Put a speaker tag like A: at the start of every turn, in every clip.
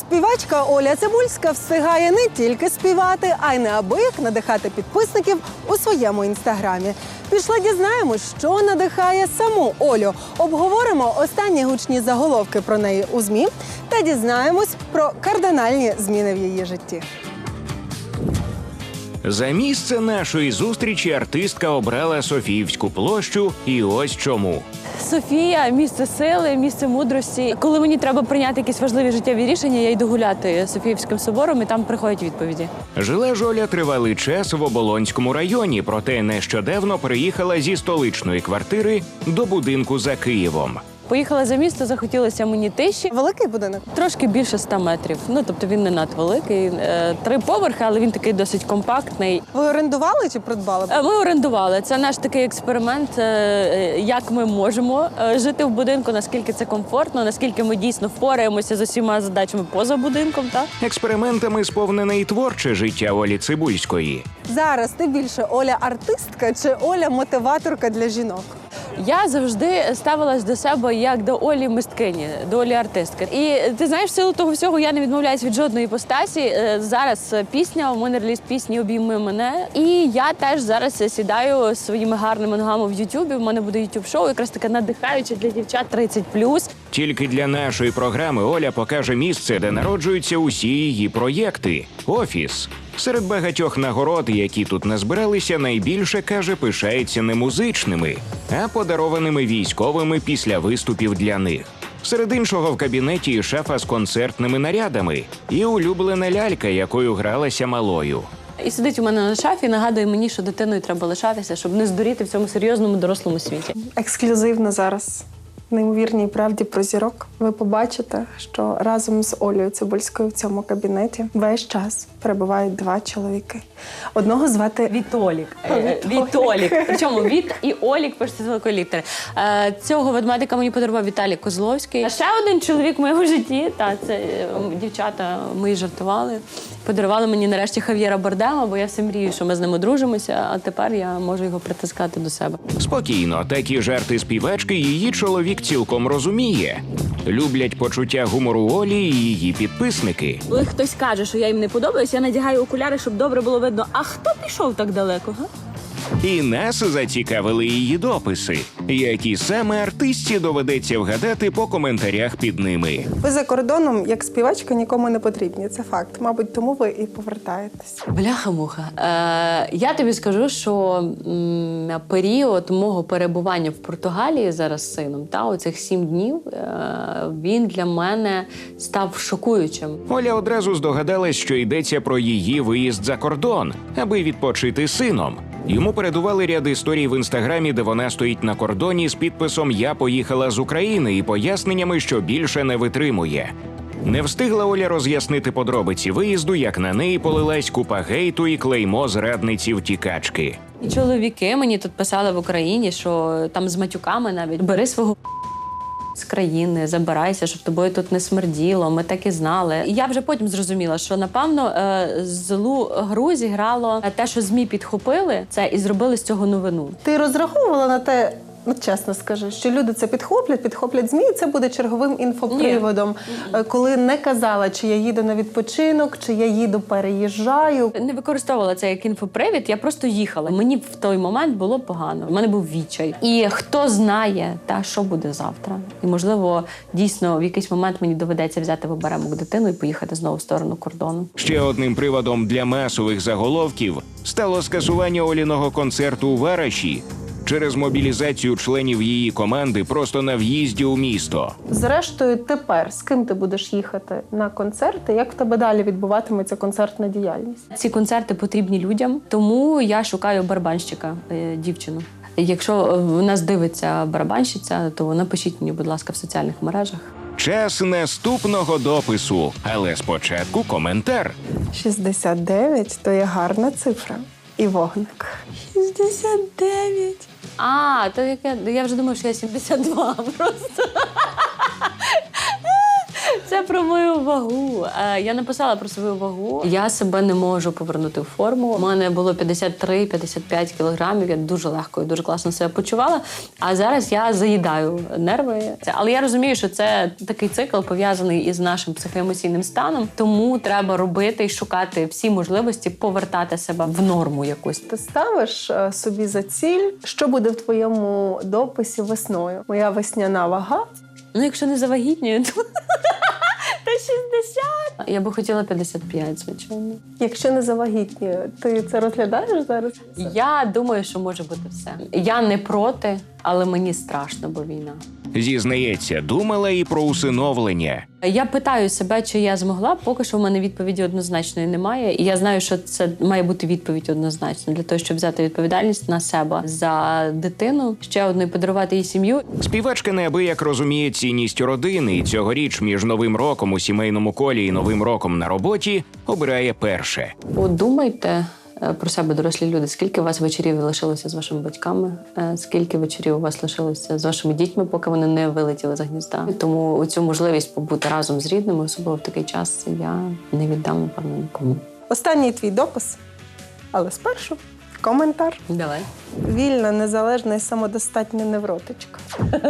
A: Співачка Оля Цибульська встигає не тільки співати, а й неабияк надихати підписників у своєму інстаграмі. Пішла дізнаємось, що надихає саму Олю. Обговоримо останні гучні заголовки про неї у ЗМІ та дізнаємось про кардинальні зміни в її житті.
B: За місце нашої зустрічі артистка обрала Софіївську площу, і ось чому.
C: Софія – місце сили, місце мудрості. Коли мені треба прийняти якісь важливі життєві рішення, я йду гуляти Софіївським собором, і там приходять відповіді.
B: Жила ж Оля тривалий час в Оболонському районі, проте нещодавно переїхала зі столичної квартири до будинку за Києвом.
C: Поїхала за місто, захотілося мені тиші.
A: Великий будинок?
C: Трошки більше 100 метрів. Тобто він не надвеликий. 3 поверхи, але він такий досить компактний.
A: Ви орендували чи придбали?
C: Ми орендували. Це наш такий експеримент, як ми можемо жити в будинку, наскільки це комфортно, наскільки ми дійсно впораємося з усіма задачами поза будинком.
B: Експериментами сповнене і творче життя Олі Цибульської.
A: Зараз ти більше Оля артистка чи Оля мотиваторка для жінок?
C: Я завжди ставилась до себе як до Олі мисткині, до Олі артистки. І ти знаєш, в силу того всього я не відмовляюсь від жодної іпостасі. Зараз пісня, у мене реліз пісні «Обійми мене». І я теж зараз сідаю своїми гарними ногами в Ютубі. У мене буде ютуб-шоу, якраз таке надихаюче для дівчат 30+.
B: Тільки для нашої програми Оля покаже місце, де народжуються усі її проєкти – офіс. Серед багатьох нагород, які тут назбиралися, найбільше, каже, пишається не музичними, а подарованими військовими після виступів для них. Серед іншого в кабінеті і шафа з концертними нарядами, і улюблена лялька, якою гралася малою.
C: І сидить у мене на шафі, нагадує мені, що дитиною треба лишатися, щоб не здуріти в цьому серйозному дорослому світі.
A: Ексклюзивно зараз. В неймовірній правді про зірок. Ви побачите, що разом з Олею Цибульською в цьому кабінеті весь час перебувають 2 чоловіки. Одного звати
C: Вітолік. Вітолік. Причому Віт і Олік пишеться з великої літери. Цього ведмедика мені подарував Віталій Козловський. А ще один чоловік в моєму житті, це дівчата мої жартували. Подарували мені нарешті Хав'єра Бардема, бо я все мрію, що ми з ним одружимося, а тепер я можу його притискати до себе.
B: Спокійно, такі жарти співачки її чоловік цілком розуміє. Люблять почуття гумору Олі і її підписники.
C: Коли хтось каже, що я їм не подобаюсь, я надягаю окуляри, щоб добре було видно. А хто пішов так далеко, га?
B: І нас зацікавили її дописи, які саме артистці доведеться вгадати по коментарях під ними.
A: Ви за кордоном, як співачка, нікому не потрібні. Це факт. Мабуть, тому ви і повертаєтесь.
C: Бляха-муха. Я тобі скажу, що період мого перебування в Португалії зараз з сином, оцих 7 днів, він для мене став шокуючим.
B: Оля одразу здогадалась, що йдеться про її виїзд за кордон, аби відпочити з сином. Йому передували ряд історій в інстаграмі, де вона стоїть на кордоні з підписом «Я поїхала з України» і поясненнями, що більше не витримує. Не встигла Оля роз'яснити подробиці виїзду, як на неї полилась купа гейту і клеймо зрадниці-втікачки.
C: І чоловіки мені тут писали в Україні, що там з матюками навіть «бери свого з країни, забирайся, щоб тобою тут не смерділо, ми так і знали». І я вже потім зрозуміла, що, напевно, злу гру зіграло те, що ЗМІ підхопили це і зробили з цього новину.
A: Ти розраховувала на те, чесно скажи, що люди це підхоплять ЗМІ, і це буде черговим інфоприводом, коли не казала, чи я їду на відпочинок, чи я їду, переїжджаю.
C: Не використовувала це як інфопривід, я просто їхала. Мені в той момент було погано, в мене був відчай. І хто знає, що буде завтра. І, можливо, дійсно, в якийсь момент мені доведеться взяти в оберемок дитину і поїхати знову в сторону кордону.
B: Ще одним приводом для масових заголовків стало скасування Оліного концерту у Вараші через мобілізацію членів її команди просто на в'їзді у місто.
A: Зрештою, тепер з ким ти будеш їхати на концерти? Як в тебе далі відбуватиметься концертна діяльність?
C: Ці концерти потрібні людям, тому я шукаю барабанщика, дівчину. Якщо в нас дивиться барабанщиця, то напишіть мені, будь ласка, в соціальних мережах.
B: Час наступного допису, але спочатку коментар.
A: 69 – то є гарна цифра. І вогник.
C: 69. То яке? Я вже думаю, що я 72 просто. Це про мою вагу. Я написала про свою вагу. Я себе не можу повернути в форму. У мене було 53-55 кілограмів. Я дуже легко і дуже класно себе почувала. А зараз я заїдаю нерви. Але я розумію, що це такий цикл пов'язаний із нашим психоемоційним станом. Тому треба робити і шукати всі можливості повертати себе в норму якусь.
A: Ти ставиш собі за ціль, що буде в твоєму дописі весною? Моя весняна вага.
C: Ну, якщо не завагітнюю, то 60. Я би хотіла 55, звичайно.
A: Якщо не завагітнюю, ти це розглядаєш зараз?
C: Я думаю, що може бути все. Я не проти, але мені страшно, бо війна.
B: Зізнається, думала і про усиновлення.
C: Я питаю себе, чи я змогла. Поки що в мене відповіді однозначної немає. І я знаю, що це має бути відповідь однозначно для того, щоб взяти відповідальність на себе за дитину, ще одну і подарувати їй сім'ю.
B: Співачка неабияк розуміє цінність родини, і цьогоріч між Новим роком у сімейному колі і Новим роком на роботі обирає перше.
C: Подумайте про себе, дорослі люди. Скільки у вас вечорів лишилося з вашими батьками? Скільки вечорів у вас лишилося з вашими дітьми, поки вони не вилетіли з гнізда? Тому цю можливість побути разом з рідними, особливо в такий час, я не віддам, напевно, нікому.
A: Останній твій допис, але спершу коментар.
C: Давай.
A: Вільна, незалежна і самодостатня невротичка.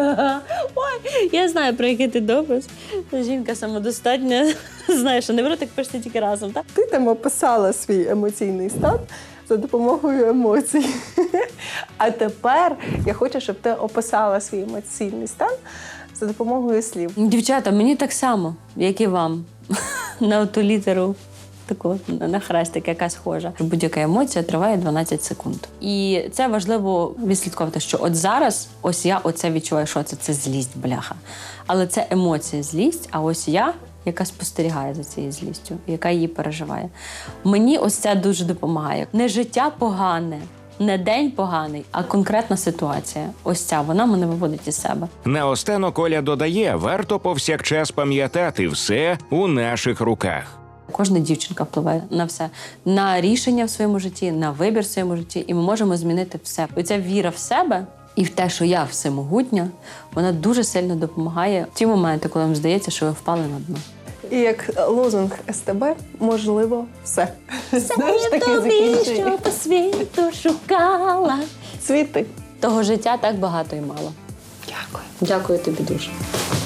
C: Ой, я знаю, про який ти допис. Жінка самодостатня. Знаєш, що невротик пишеться тільки разом, так?
A: Ти там описала свій емоційний стан за допомогою емоцій. А тепер я хочу, щоб ти описала свій емоційний стан за допомогою слів.
C: Дівчата, мені так само, як і вам. На оту літеру. Таку на хрестик, яка схожа. Будь-яка емоція триває 12 секунд. І це важливо відслідковувати, що от зараз ось я оце відчуваю, що це злість, бляха. Але це емоція, злість, а ось я, яка спостерігає за цією злістю, яка її переживає. Мені ось це дуже допомагає. Не життя погане, не день поганий, а конкретна ситуація. Ось ця, вона мене виводить із себе.
B: Наостанок Оля додає, варто повсякчас пам'ятати, все у наших руках.
C: Кожна дівчинка впливає на все. На рішення в своєму житті, на вибір в своєму житті. І ми можемо змінити все. Оця віра в себе і в те, що я всемогутня, вона дуже сильно допомагає в ті моменти, коли вам здається, що ви впали на дно.
A: І як лозунг СТБ, можливо, все. Знаєш, таке закінчення.
C: Що по світу шукала.
A: Світи.
C: Того життя так багато і мало.
A: Дякую.
C: Дякую тобі дуже.